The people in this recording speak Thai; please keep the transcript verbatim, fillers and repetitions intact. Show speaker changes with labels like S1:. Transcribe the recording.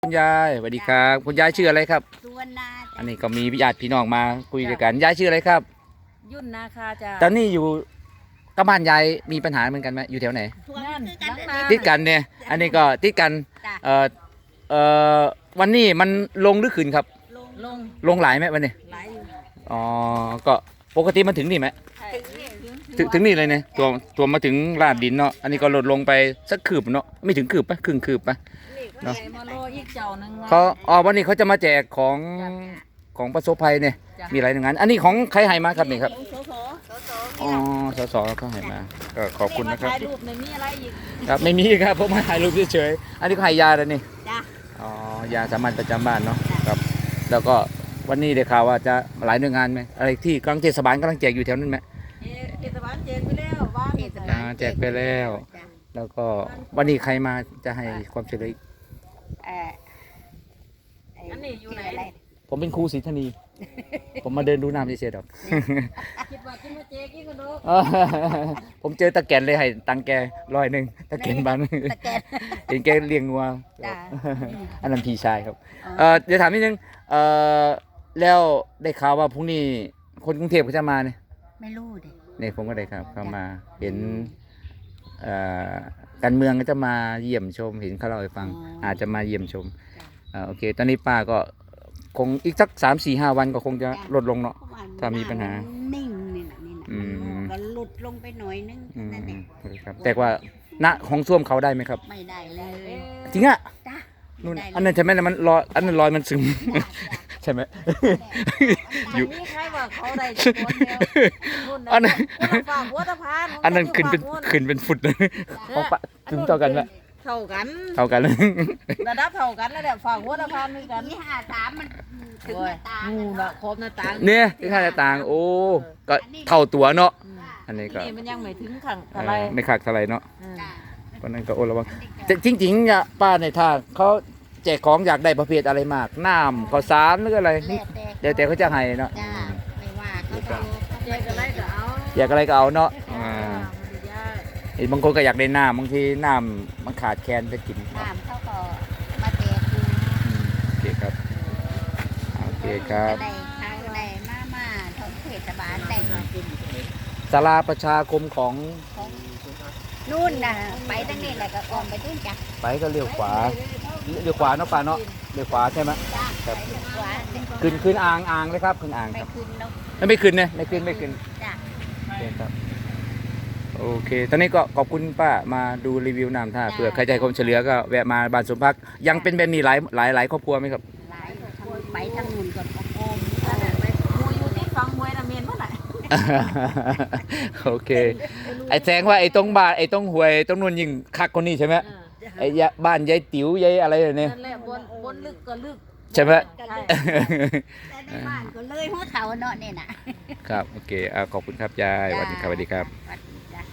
S1: คุณยายสวัสดีครับคุณยายชื่ออะไรครับ
S2: สุวรรณาจ้ะ
S1: อันนี้ก็มีญาติพี่น้องมาคุยด้วยกันยายชื่ออะไรครับ
S3: ยุ่นนาคาจ้ะ
S1: ตอนนี้อยู่กับบ้านยายมีปัญหาเหมือนกันไหมอยู่แถวไหน
S2: ทวง
S3: นั่น
S2: คือกัน
S3: หลังนา
S1: ติดกันเนี่ยอันนี้ก็ติดกัน
S2: จ้ะ
S1: เอ่อเอ่อวันนี้มันลงหรือขึ้นครับ
S2: ลง
S3: ลง
S1: ลงหลายไหมวันนี้
S3: ไหลอยู่
S1: อ๋อก็ปกติมันถึงนี่ไหม
S2: ถึงนี่
S1: ถึงถึงนี่เลยเนี่ยตัวตัวมาถึงลาดดินเนาะอันนี้ก็ลดลงไปสักคืบเนาะไม่ถึงคืบปะครึ่งคืบปะ เนาะ
S3: ใหญ่มาโลอีกเจ้าหนึง
S1: เขาอ๋อวันนี้เขาจะมาแจกของของประสบภัยเนี่ย
S3: จ้ะ
S1: มีอะไรอย่างนั้นอันนี้ของใครให้มาครับนี่ครับ
S2: โสโสโสโส
S1: อ๋อสสเขาให้มาก็ขอบคุณนะครับ
S3: ถ่ายรูปในมีอะไรอีก
S1: ครับไม่มีครับผมมาถ่ายรูปเฉยๆอันนี้ก็ให้ยาแล้วนี่
S2: จ้ะ
S1: อ๋อยาสามัญประจำบ้านเนาะครับแล้วก็วันนี้ได้ข่าวว่าจะหลายหน่วยงานไหมอะไรที่กำลังเทศบาลกำลังแจกอยู่แถวนั้นไหม
S3: เอ๊ะเทศบาลแจกไปแล้วบ้าน
S2: เทศบา
S1: อ่า
S2: ล
S1: แจกไปแล้ว
S2: จ้ะ
S1: แล้วก็วันนี้ใครมาจะให้ความช่วยเหลืออีก
S2: เอ่อไ
S3: อันนี้อยู่ไหน
S2: ชื่ะร
S1: ผมเป็นครูศรีธนี ผมมาเดินดูน้ำเฉยๆดอก
S3: คิดว่าจะมาแจกอีกก็ดอก
S1: เออผมเจอตะแกนเลยให้ตังค์แกร้อยหนึ่งตะแกนบ้าน
S2: ตะแกน
S1: เห็นแกเลี้ยงงัว
S2: จ้ะ
S1: อันนั้นพี่ชายครับ
S2: อ๋อ
S1: เออเดี๋ยวถามนิดนึงเออแล้วได้ข่าวว่าพรุ่งนี้คนกรุงเทพเขาจะมาเนี่ย
S2: ไม่รู้ดิ
S1: เนี่ยผมก็ได้ครับเข้ามาเห็นเอ่อการเมืองก็จะมาเยี่ยมชมเห็นเขาเล่าให้ฟัง อาจจะมาเยี่ยมชมอ่าโอเค ตอนนี้ป้าก็คงอีกสักสามสี่ห้าวันก็คงจะลดลงเนาะ
S2: เพระว่
S1: ถ้ามีปัญหา
S2: นิ่งนี่นะนี่นะ
S1: อืม
S2: ก็หลุดลงไปหน่อยนึง
S1: อืม
S2: นั่นเอง
S1: ครับแต่ว่าณห้องส้วมเขาได้ไหมครับ
S2: ไม่ได้เลย
S1: จริงอะ
S2: จ้ะ
S1: นู่น
S2: ไม่ได้เลย
S1: อันนั้นใช่ไหมมันลอยอันนั้นลอยมันซึม ใช่ไหม อยู่
S3: มีใครว่าเขาได้จะคนเดียวนู่ะ
S1: อันนั้น
S3: คนละฝากหัวตะพาน
S1: อันนั้นขึ้นเป็น
S3: ฝากหัว
S1: ขึ้นเป็นฟุตเลยของปะถึงเท่ากันละ
S3: เท่ากัน
S1: เท่ากันเลย
S3: ระดับเท่ากันแล้วแหละฝากหัวตะพานมีกัน
S2: นี่ห้าสามมันถึงหน้าตาง
S3: งูละครบหน้าต่าง
S1: เนี่ยที่ค่าจะต่าง โอ้ ก็เท่าตัวเนาะ
S3: อืม
S1: อันนี้ก็
S3: นี่มันยังไม่ถึงขัง
S1: เอ่
S3: อะไร
S1: อไม่ขาดเท่าไหรเนาะ
S3: อืม
S2: จ้ะ
S1: เพราะนั้นก็โอระวังแต่จริงๆเนี่ยป้าในท่าเขาแจกของอยากได้ประเภทอะไรมาก น้ำข้าวสารหรืออะไร
S2: แล้วแต่
S1: เดี๋ยวแต่เขาจะให้เนาะ
S2: จ้าไม่ว่าเขาจะ
S3: แจกอะไรก็เอา
S1: อยากอะไรก็เอาเนาะอ่า
S3: ไม่ได้ยาก
S1: เห็นบางคนก็อยากได้น้ำบางทีน้ำมันขาดแคลนจะกิน
S2: น้ำเขาก็มาแจกอยู่
S1: อืมโอเคครับโอเคครับ
S2: ได้ทางได้มามาท้องเทศบาลได้
S1: ศาลาประชาคมของ
S2: ของนู่นน่ะไปทางนี้แหละก็ออมไปทุ่นจ้ะ
S1: ไปก็เลี้ยวขวาเลี้ยวขวาเนาะป้าเนาะเลี้ยวขวาใช่ไหม
S2: จ้า
S1: ครับ
S2: ไปขวา
S1: ขึ้นขึ้นอ่างอ่างเลยครับขึ้นอ่าง
S2: ไป
S1: ครับ
S2: ขึ้นเนาะ
S1: ไม่ไม่ขึ้นเนี่ยไม่ขึ้นไม่ขึ้น
S2: จ้า
S1: โอเคครับโอเค ตอนนี้ก็ขอบคุณป้ามาดูรีวิวน้ำท่าเผื่อใครใจความเฉลือก็แวะมาบ้านสมพักดิ์ยังเป็นแบบนี้หลายหลายหลายครอบครัวไหมครับ
S2: หลายทางไปทางนู่นก็โอม
S3: นั่นแหละไปมูอยู่ที่ฟังมวยนะเมียนเมื่อไหร่
S1: โอเค ไอ้แสงว่าไอ้ตรงบ้านไอ้ตรงหวยตรงนู้นยิ่งคักคนนี้ใช่ไหมไอ้ยะบ้านยายติ๋วยายอะไรเนี่ย
S3: นั่นแหละบนบนลึกก็ลึก
S1: ใช่ไหม
S2: แต่ในบ้านก็เลยหัวเขาเนาะนี่น่ะ
S1: ครับโอเคอ่าขอบคุณครับยายสวัสดีครับสวัสดีครับ
S2: สวัสดี